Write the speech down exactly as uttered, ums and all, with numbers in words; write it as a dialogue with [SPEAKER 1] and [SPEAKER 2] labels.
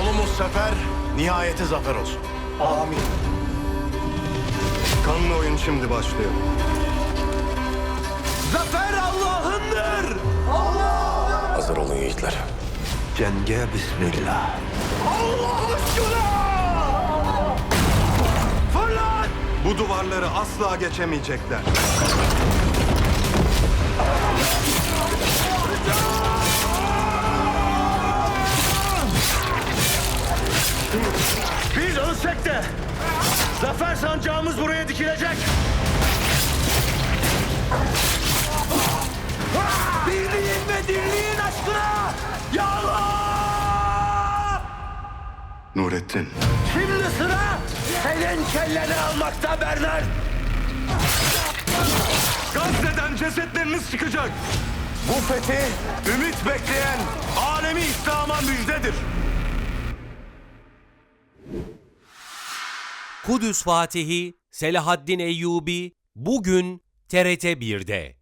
[SPEAKER 1] Yolumuz sefer, nihayeti zafer olsun.
[SPEAKER 2] Amin. Kanlı oyun şimdi başlıyor.
[SPEAKER 1] Zafer Allah'ındır!
[SPEAKER 3] Hazır olun yiğitler.
[SPEAKER 2] Cenge bismillah.
[SPEAKER 1] Allah aşkına! Fırlat!
[SPEAKER 2] Bu duvarları asla geçemeyecekler.
[SPEAKER 1] Biz ölsek de zafer sancağımız buraya dikilecek. Birliğin ve dirliğin aşkına! Ya Allah!
[SPEAKER 2] Nurettin.
[SPEAKER 1] Şimdi sıra senin kelleni almakta Bernard.
[SPEAKER 2] Gazze'den cesetleriniz çıkacak.
[SPEAKER 1] Bu fethi ümit bekleyen alemi İslam'a müjdedir.
[SPEAKER 4] Kudüs Fatihi Selahaddin Eyyubi bugün T R T bir'de.